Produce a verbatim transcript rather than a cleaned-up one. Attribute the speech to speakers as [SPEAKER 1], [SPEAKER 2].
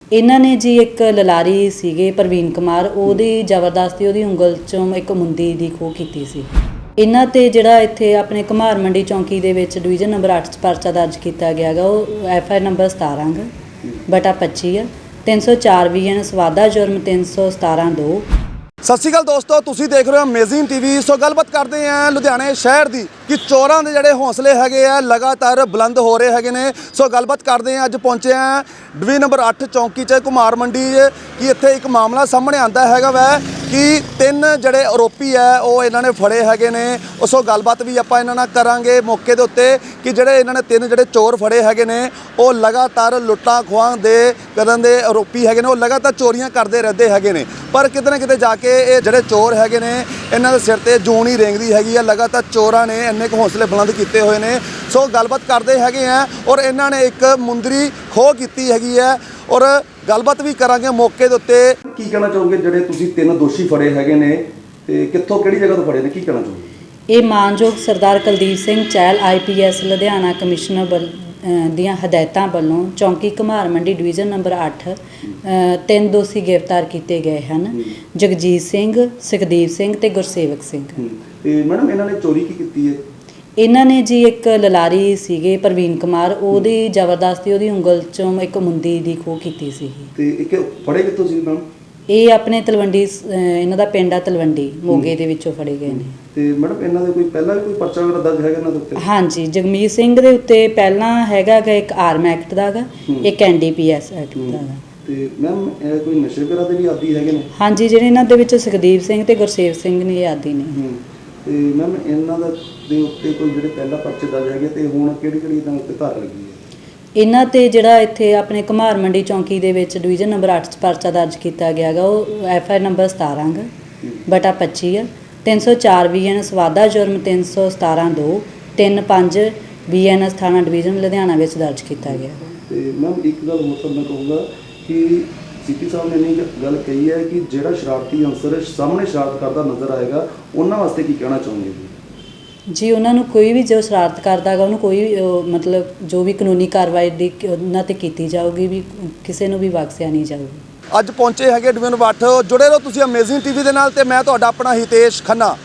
[SPEAKER 1] ਇਹਨਾਂ ਨੇ ਜੀ ਇੱਕ ਲਲਾਰੀ ਸੀਗੇ ਪ੍ਰਵੀਨ ਕੁਮਾਰ, ਉਹਦੀ ਜ਼ਬਰਦਸਤੀ ਉਹਦੀ ਉਂਗਲ ਚੋਂ ਇੱਕ ਮੁੰਦੀ ਦੀ ਖੋਹ ਕੀਤੀ ਸੀ। ਇਹਨਾਂ ਤੇ ਜਿਹੜਾ ਇੱਥੇ ਆਪਣੇ ਘੁਮਾਰ ਮੰਡੀ ਚੌਂਕੀ ਦੇ ਵਿੱਚ ਡਿਵੀਜ਼ਨ ਨੰਬਰ ਅੱਠ 'ਚ ਪਰਚਾ ਦਰਜ ਕੀਤਾ ਗਿਆ ਗਾ। ਉਹ ਐਫ ਆਈ ਨੰਬਰ ਸਤਾਰਾਂ ਗਾ ਬਟਾ ਪੱਚੀ ਆ, ਤਿੰਨ ਸੌ ਚਾਰ ਵੀ ਐਨ ਸਵਾਦਾ ਜੁਰਮ ਤਿੰਨ ਸੌ ਸਤਾਰਾਂ ਦੋ।
[SPEAKER 2] ਸਤਿ ਸ਼੍ਰੀ ਅਕਾਲ ਦੋਸਤੋ, ਤੁਸੀਂ ਦੇਖ ਰਹੇ ਹੋ ਅਮੇਜ਼ਿੰਗ ਟੀਵੀ। ਸੋ ਗੱਲਬਾਤ ਕਰਦੇ ਹਾਂ ਲੁਧਿਆਣੇ ਸ਼ਹਿਰ ਦੀ ਕਿ ਚੋਰਾਂ ਦੇ ਜਿਹੜੇ ਹੌਸਲੇ ਹੈਗੇ ਆ ਲਗਾਤਾਰ ਬੁਲੰਦ ਹੋ ਰਹੇ ਹੈਗੇ ਨੇ। ਸੋ ਗੱਲਬਾਤ ਕਰਦੇ ਹਾਂ, ਅੱਜ ਪਹੁੰਚੇ ਹਾਂ ਡਿਵੀਜ਼ਨ ਨੰਬਰ ਅੱਠ ਚੌਂਕੀ 'ਚ ਘੁਮਾਰ ਮੰਡੀ ਕਿ ਇੱਥੇ ਇੱਕ ਮਾਮਲਾ ਸਾਹਮਣੇ ਆਂਦਾ ਹੈਗਾ ਵੈ ਕਿ ਤਿੰਨ ਜਿਹੜੇ ਆਰੋਪੀ ਹੈ ਉਹ ਇਹਨਾਂ ਨੇ ਫੜੇ ਹੈਗੇ ਨੇ। ਸੋ ਗੱਲਬਾਤ ਵੀ ਆਪਾਂ ਇਹਨਾਂ ਨਾਲ ਕਰਾਂਗੇ ਮੌਕੇ ਦੇ ਉੱਤੇ ਕਿ ਜਿਹੜੇ ਇਹਨਾਂ ਨੇ ਤਿੰਨ ਜਿਹੜੇ ਚੋਰ ਫੜੇ ਹੈਗੇ ਨੇ ਉਹ ਲਗਾਤਾਰ ਲੁੱਟਾਂ ਖੋਹਾਂ ਦੇ ਕਰਨ ਦੇ ਆਰੋਪੀ ਹੈਗੇ ਨੇ। ਉਹ ਲਗਾਤਾਰ ਚੋਰੀਆਂ ਕਰਦੇ ਰਹਿੰਦੇ ਹੈਗੇ ਨੇ, ਪਰ ਕਿਤੇ ਨਾ ਕਿਤੇ ਜਾ ਕੇ ਇਹ ਜਿਹੜੇ ਚੋਰ ਹੈਗੇ ਨੇ ਇਹਨਾਂ ਦੇ ਸਿਰ ਤੇ ਜੂਨ ਹੀ ਰੇਂਗਦੀ ਹੈਗੀ ਆ। ਲਗਾਤਾਰ ਚੋਰਾਂ ਨੇ ਇੰਨੇ ਕੁ ਹੌਸਲੇ ਬੁਲੰਦ ਕੀਤੇ ਹੋਏ ਨੇ। ਸੋ ਗੱਲਬਾਤ ਕਰਦੇ ਹੈਗੇ ਆ ਔਰ ਇਹਨਾਂ ਨੇ ਇੱਕ ਮੁੰਦਰੀ ਖੋਹ ਕੀਤੀ ਹੈਗੀ ਹੈ ਔਰ ਗੱਲਬਾਤ ਵੀ ਕਰਾਂਗੇ ਮੌਕੇ ਦੇ ਉੱਤੇ। ਕੀ ਕਹਿਣਾ ਚਾਹੋਗੇ ਜਿਹੜੇ ਤੁਸੀਂ ਤਿੰਨ ਦੋਸ਼ੀ ਫੜੇ ਹੈਗੇ ਨੇ ਤੇ ਕਿੱਥੋਂ ਕਿਹੜੀ ਜਗ੍ਹਾ ਤੋਂ ਫੜੇ ਨੇ, ਕੀ ਕਹਿਣਾ ਚਾਹੋਗੇ?
[SPEAKER 1] ਇਹ ਮਾਨਯੋਗ Sardar Kuldeep Singh Chahal I P S Ludhiana commissioner ਵੱਲ ਦੀਆਂ ਹਦਾਇਤਾਂ ਵੱਲੋਂ ਚੌਂਕੀ ਘੁਮਾਰ ਮੰਡੀ ਡਿਵੀਜ਼ਨ ਨੰਬਰ ਅੱਠ ਤਿੰਨ ਦੋਸ਼ੀ ਗ੍ਰਿਫਤਾਰ ਕੀਤੇ ਗਏ ਹਨ, ਜਗਜੀਤ ਸਿੰਘ, ਸੁਖਦੀਪ ਸਿੰਘ ਤੇ ਗੁਰਸੇਵਕ ਸਿੰਘ।
[SPEAKER 2] ਤੇ ਮੈਡਮ ਇਹਨਾਂ ਨੇ ਚੋਰੀ ਕੀ ਕੀਤੀ ਹੈ?
[SPEAKER 1] ਇਹਨਾਂ ਨੇ ਜੀ ਇੱਕ ਲਲਾਰੀ ਸੀਗੇ ਪ੍ਰਵੀਨ ਕੁਮਾਰ, ਉਹਦੀ ਜ਼ਬਰਦਸਤੀ ਉਹਦੀ ਉਂਗਲ ਚੋਂ ਇੱਕ ਮੁੰਦੀ ਦੀ ਖੋਹ ਕੀਤੀ ਸੀ।
[SPEAKER 2] ਤੇ ਇੱਕ ਫੜੇ ਕਿੱਥੋਂ ਸੀ ਮੈਡਮ?
[SPEAKER 1] ਇਹ ਆਪਣੇ ਤਲਵੰਡੀ, ਇਹਨਾਂ ਦਾ ਪਿੰਡ ਆ ਤਲਵੰਡੀ, ਮੋਗੇ ਦੇ ਵਿੱਚੋਂ ਫੜੇ ਗਏ ਨੇ।
[SPEAKER 2] ਤੇ ਮੈਡਮ ਇਹਨਾਂ ਦੇ ਕੋਈ ਪਹਿਲਾਂ ਵੀ ਕੋਈ ਪਰਚਾ ਵਗੈਰਾ ਦਰਜ ਹੈਗਾ ਇਹਨਾਂ ਦੇ ਉੱਤੇ?
[SPEAKER 1] ਹਾਂਜੀ, ਜਗਮੀਤ ਸਿੰਘ ਦੇ ਉੱਤੇ ਪਹਿਲਾਂ ਹੈਗਾ ਗਾ ਇੱਕ ਆਰਮ ਐਕਟ ਦਾ ਗਾ, ਇੱਕ N D P S act ਦਾ ਗਾ।
[SPEAKER 2] ਤੇ ਮੈਮ ਇਹ ਕੋਈ ਨਸ਼ੇ ਵਗੈਰਾ ਦੇ ਵੀ ਆਦੀ ਹੈਗੇ ਨੇ?
[SPEAKER 1] ਹਾਂਜੀ, ਜਿਹੜੇ ਇਹਨਾਂ ਦੇ ਵਿੱਚ ਸੁਖਦੀਪ ਸਿੰਘ ਤੇ ਗੁਰਸੇਵ ਸਿੰਘ ਨੇ ਇਹ ਆਦੀ ਨੇ।
[SPEAKER 2] ਤੇ ਮੈਮ ਇਹਨਾਂ ਦਾ ਦੇ ਉੱਤੇ ਕੋਈ ਜਿਹੜੇ ਪਹਿਲਾਂ ਪਰਚੇ ਦਰਜ ਹੈਗੇ ਤੇ ਹੁਣ ਕਿਹੜੀ ਕਿਹੜੀ ਇਹਨਾਂ ਉੱਤੇ ਧਾਰਾ ਲੱਗੀ ਹੈ? ਇਹਨਾਂ
[SPEAKER 1] ਤੇ ਜਿਹੜਾ ਇੱਥੇ ਆਪਣੇ ਘੁਮਾਰ ਮੰਡੀ ਚੌਂਕੀ ਦੇ ਵਿੱਚ ਡਿਵੀਜ਼ਨ ਨੰਬਰ ਅੱਠ 'ਚ ਪਰਚਾ ਦਰਜ ਕੀਤਾ ਗਿਆ ਗਾ। ਉਹ ਐਫ ਆਈ ਨੰਬਰ ਸਤਾਰਾਂ ਗਾ ਬਟਾ ਪੱਚੀ ਆ, ਤਿੰਨ ਸੌ ਚਾਰ ਵੀ ਐਨ ਸਵਾਦਾ ਜੁਰਮ ਤਿੰਨ ਸੌ ਸਤਾਰਾਂ ਦੋ, ਤਿੰਨ ਪੰਜ ਬੀ ਐਨ ਐਸ ਥਾਣਾ ਡਿਵੀਜ਼ਨ ਲੁਧਿਆਣਾ ਵਿੱਚ ਦਰਜ ਕੀਤਾ ਗਿਆ।
[SPEAKER 2] ਤੇ ਮੈਮ ਇੱਕ ਗੱਲ ਹੋਰ ਤਾਂ ਮੈਂ ਕਹੂੰਗਾ ਕਿ ਸੀਪੀ ਸਾਹਿਬ ਨੇ ਇਹ ਗੱਲ ਕਹੀ ਹੈ ਕਿ ਜਿਹੜਾ ਸ਼ਰਾਰਤੀ ਅਨਸਰ ਸਾਹਮਣੇ ਸ਼ਰਾਰਤ ਕਰਦਾ ਨਜ਼ਰ ਆਏਗਾ ਉਹਨਾਂ ਵਾਸਤੇ ਕੀ ਕਹਿਣਾ ਚਾਹੋਗੇ ਜੀ?
[SPEAKER 1] ਜੀ ਉਹਨਾਂ ਨੂੰ ਕੋਈ ਵੀ ਜੋ ਸ਼ਰਾਰਤ ਕਰਦਾ ਗਾ ਉਹਨੂੰ ਕੋਈ ਵੀ ਮਤਲਬ ਜੋ ਵੀ ਕਾਨੂੰਨੀ ਕਾਰਵਾਈ ਦੀ ਉਹਨਾਂ 'ਤੇ ਕੀਤੀ ਜਾਊਗੀ, ਵੀ ਕਿਸੇ ਨੂੰ ਵੀ ਬਖਸ਼ਿਆ ਨਹੀਂ ਜਾਊਗਾ।
[SPEAKER 2] ਅੱਜ ਪਹੁੰਚੇ ਹੈਗੇ ਡਿਵੀਜ਼ਨ ਅੱਠ। ਜੁੜੇ ਰਹੋ ਤੁਸੀਂ ਅਮੇਜ਼ਿੰਗ ਟੀਵੀ ਦੇ ਨਾਲ ਤੇ ਮੈਂ ਤੁਹਾਡਾ ਆਪਣਾ ਹਿਤੇਸ਼ ਖੰਨਾ।